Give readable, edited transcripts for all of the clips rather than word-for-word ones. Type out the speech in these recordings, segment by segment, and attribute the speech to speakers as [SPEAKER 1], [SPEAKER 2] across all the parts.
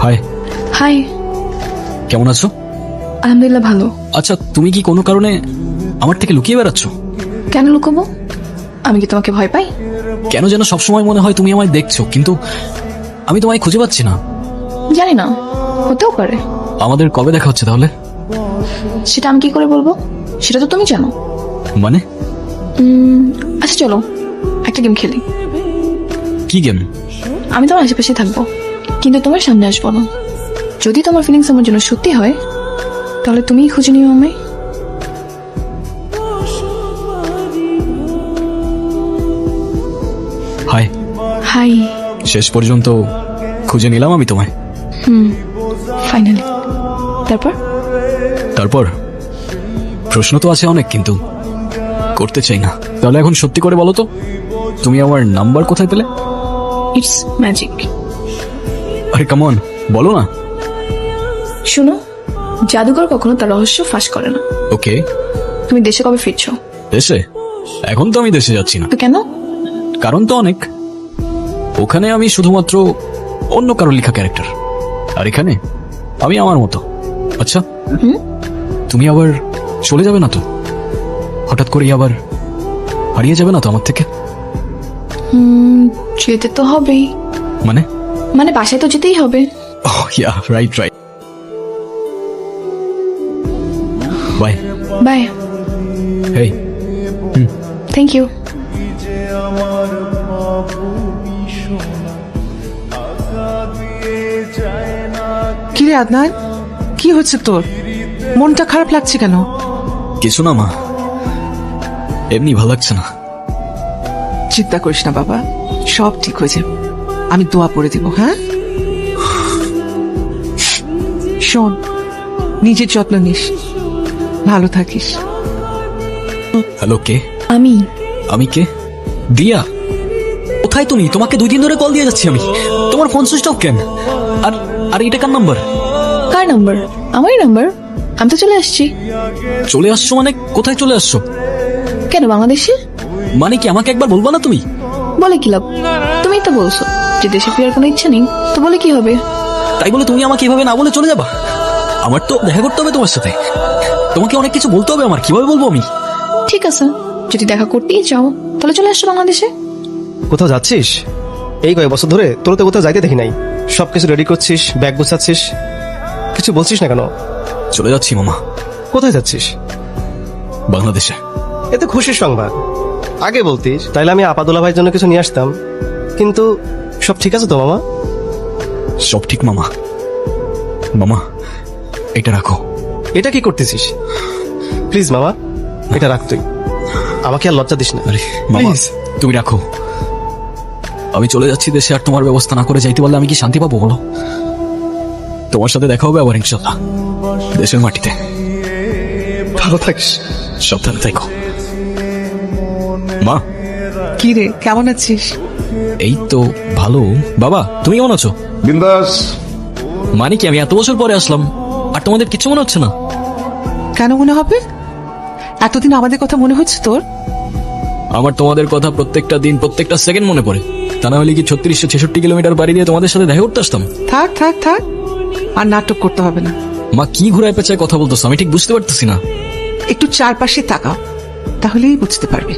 [SPEAKER 1] High.
[SPEAKER 2] High.
[SPEAKER 1] কেমন আছো?
[SPEAKER 2] আলহামদুলিল্লাহ ভালো।
[SPEAKER 1] আচ্ছা, তুমি কি কোনো কারণে আমার থেকে লুকিয়ে বেড়াচ্ছ?
[SPEAKER 2] কেন লুকোবো? আমি কি তোমাকে ভয় পাই?
[SPEAKER 1] কেন যেন সবসময় মনে হয় তুমি আমায় দেখছো, কিন্তু আমি তোমায় খুঁজে পাচ্ছি না।
[SPEAKER 2] জানি না, হতেও পারে।
[SPEAKER 1] আমাদের কবে দেখা হচ্ছে তাহলে?
[SPEAKER 2] সেটা আমি কি করে বলবো? সেটা তো তুমি জানো।
[SPEAKER 1] মানে?
[SPEAKER 2] আচ্ছা চলো একটা গেম খেলি।
[SPEAKER 1] কি গেম?
[SPEAKER 2] আমি তোমার আশেপাশে থাকবো, কিন্তু তোমার সামনে আসবো না। যদি তোমার ফিলিংস আমার জন্য সত্যি হয়, তাহলে তুমিই খুঁজে নিও আমায়।
[SPEAKER 1] হাই।
[SPEAKER 2] হাই।
[SPEAKER 1] শেষ পর্যন্ত খুঁজে নিলাম আমি তোমায়।
[SPEAKER 2] ফাইনালি। তারপর?
[SPEAKER 1] তারপর প্রশ্ন তো আছে অনেক, কিন্তু করতে চাই না। তাহলে এখন সত্যি করে বলো তো, তুমি আমার নাম্বার কোথায় পেলে?
[SPEAKER 2] It's magic.
[SPEAKER 1] আরে কামন, বলো না।
[SPEAKER 2] শুনো, জাদুঘর কখনো তার রহস্য ফাঁস করে না।
[SPEAKER 1] ওকে।
[SPEAKER 2] তুমি দেশে কবে ফিরছো?
[SPEAKER 1] দেশে? এখন তো আমি দেশে যাচ্ছি না।
[SPEAKER 2] তো কেন?
[SPEAKER 1] কারণ তো অনেক। ওখানে আমি শুধুমাত্র অন্য কারো লেখা ক্যারেক্টার, আর এখানে আমি আমার মতো। আচ্ছা, তুমি আবার চলে যাবে না তো? হঠাৎ করেই আবার হারিয়ে যাবে না তো আমার থেকে?
[SPEAKER 2] যেতে তো হবেই।
[SPEAKER 1] মানে?
[SPEAKER 2] মানে বাসায় তো যেতেই হবে।
[SPEAKER 1] Yeah, right right. Bye.
[SPEAKER 2] Bye.
[SPEAKER 1] Hey.
[SPEAKER 2] Thank you.
[SPEAKER 3] কি রে আদনান, কি হচ্ছে তোর? মনটা খারাপ লাগছে কেন?
[SPEAKER 1] কিছু না মা, এমনি ভালো লাগছে না।
[SPEAKER 3] চিন্তা করিস না বাবা, সব ঠিক হয়ে যাবে। আমি দোয়া পড়ে দিব। হ্যাঁ শোন, নিজের যত্ন নিস, ভালো থাকিস।
[SPEAKER 1] হ্যালো, কে?
[SPEAKER 2] আমি।
[SPEAKER 1] আমি কে? দিয়া? কোথায় তুমি? তোমাকে 2 দিন ধরে কল দিয়ে যাচ্ছি আমি। তোমার ফোন সুইচ অফ কেন? আর আর এটা কার নাম্বার?
[SPEAKER 2] কার নাম্বার? আমারই নাম্বার। আমি তো চলে আসছি।
[SPEAKER 1] চলে আসছো মানে? কোথায় চলে আসছো?
[SPEAKER 2] কেন, বাংলাদেশে?
[SPEAKER 1] মানে কি আমাকে একবার বলবা না তুমি?
[SPEAKER 2] বলে কি লাভ? তুমিই তো বলছো যে দেশে ফেরার কোনো ইচ্ছা নেই, তো বলে কি হবে?
[SPEAKER 1] তাই বলে তুমি আমাকে এভাবে না বলে চলে যাবা? আমার তো দেখা করতে হবে তোমার সাথে। তোমাকে অনেক কিছু বলতে হবে আমার, কিভাবে বলবো আমি?
[SPEAKER 2] ঠিক আছে, যদি দেখা করতেই চাও তাহলে চলে আসছো বাংলাদেশে।
[SPEAKER 4] কোথাও যাচ্ছিস? এই কয়েক বছর ধরে তোর তো কোথাও যাইতে দেখি নাই। সবকিছু রেডি করছিস, ব্যাগ গোছাচ্ছিস, কিছু বলছিস না কেন?
[SPEAKER 1] চলে যাচ্ছি মামা।
[SPEAKER 4] কোথায় যাচ্ছিস?
[SPEAKER 1] বাংলাদেশে।
[SPEAKER 4] এতে খুশির সংবাদ। আগে বলতিস, তাইলে আমি আপাদুল্লা ভাইয়ের জন্য কিছু নিয়ে আসতাম। কিন্তু সব ঠিক আছে তো মামা?
[SPEAKER 1] সব ঠিক মামা। মামা, এটা রাখো।
[SPEAKER 4] এটা কি করতেছিস? প্লিজ মামা, এটা রাখ তুই। আমাকে আর লজ্জা দিস না।
[SPEAKER 1] আরে মামা,
[SPEAKER 4] Please.
[SPEAKER 1] তুমি রাখো। আমি চলে যাচ্ছি দেশে, আর তোমার ব্যবস্থা না করে যাইতে পারলে আমি কি শান্তি পাবো বলো? তোমার সাথে দেখা হবে আবার ইনশাল্লাহ, দেশের মাটিতে।
[SPEAKER 4] ভালো থাকিস,
[SPEAKER 1] সাবধানে থেকো মা।
[SPEAKER 3] কি রে, কেমন আছিস?
[SPEAKER 1] এই তো ভালো। বাবা, তুমি কেমন আছো?
[SPEAKER 5] বিন্দাস।
[SPEAKER 1] মানে কি আমি এত বছর পরে আসলাম আর তোমাদের কিছু মনে হচ্ছে না?
[SPEAKER 3] কেন মনে হবে? এতদিন আমাদের কথা মনে হচ্ছে তোর?
[SPEAKER 1] আমার তোমাদের কথা প্রত্যেকটা দিন, প্রত্যেকটা সেকেন্ড মনে পড়ে। তা না হলে কি 3666 কিলোমিটার বাড়ি দিয়ে তোমাদের সাথে দেখা করতে আসতাম?
[SPEAKER 3] থাক থাক থাক, আর নাটক করতে হবে না।
[SPEAKER 1] মা, কি ঘুরায় পেঁচায় কথা বলতেছো? আমি ঠিক বুঝতে পারতেছি না।
[SPEAKER 3] একটু চারপাশে তাকাও, তাহলেই বুঝতে পারবে।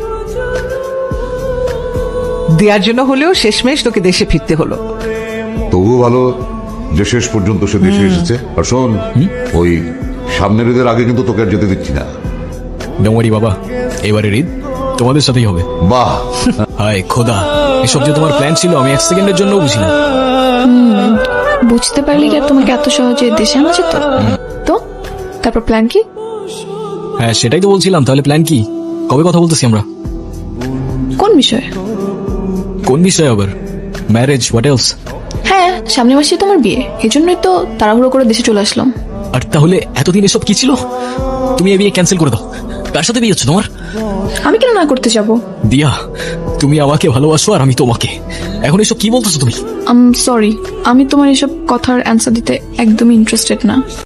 [SPEAKER 3] দেওয়ার জন্য হলেও শেষমেশ তোকে দেশে ফিরতে হলো।
[SPEAKER 5] তবুও ভালো যে শেষ পর্যন্ত সে দেশে এসেছে। আর শোন, ওই সামনের ঈদের আগে কিন্তু তোকে আর যেতে দিচ্ছি না।
[SPEAKER 1] ডোমরি বাবা, এবারের ঈদ তোমাদের সাথেই হবে।
[SPEAKER 5] বাহ।
[SPEAKER 1] হায় খোদা, এসব যে তোমার প্ল্যান ছিল আমি 1 সেকেন্ডের জন্য বুঝি না।
[SPEAKER 2] বুঝতে পারলি কি আর তোমাকে এত সহজে দেশে আনা যেত? তো তারপর প্ল্যান কি?
[SPEAKER 1] হ্যাঁ, সেটাই তো বলছিলাম। তাহলে প্ল্যান কি? কবে কথা বলতেছি আমরা?
[SPEAKER 2] কোন বিষয়ে?
[SPEAKER 1] কোন বিষয় আবার? Marriage, what else?
[SPEAKER 2] হ্যাঁ, সামনের মাসে তোমার বিয়ে, এজন্যই তো তাড়াহুড়ো করে দেশে চলে আসলাম।
[SPEAKER 1] আর তাহলে এতদিন এসব কি ছিল? তুমি এই বিয়ে ক্যান্সেল করে দাও। কার সাথে বিয়ে হচ্ছে তোমার?
[SPEAKER 2] আমি কেন না করতে যাবো?
[SPEAKER 1] দিয়া, তুমি আমাকে ভালোবাসো আর আমি তোমাকে। এখন এসব কি বলতেছো তুমি?
[SPEAKER 2] সরি, আমি তোমার এসব কথার অ্যান্সার দিতে একদমই ইন্টারেস্টেড না।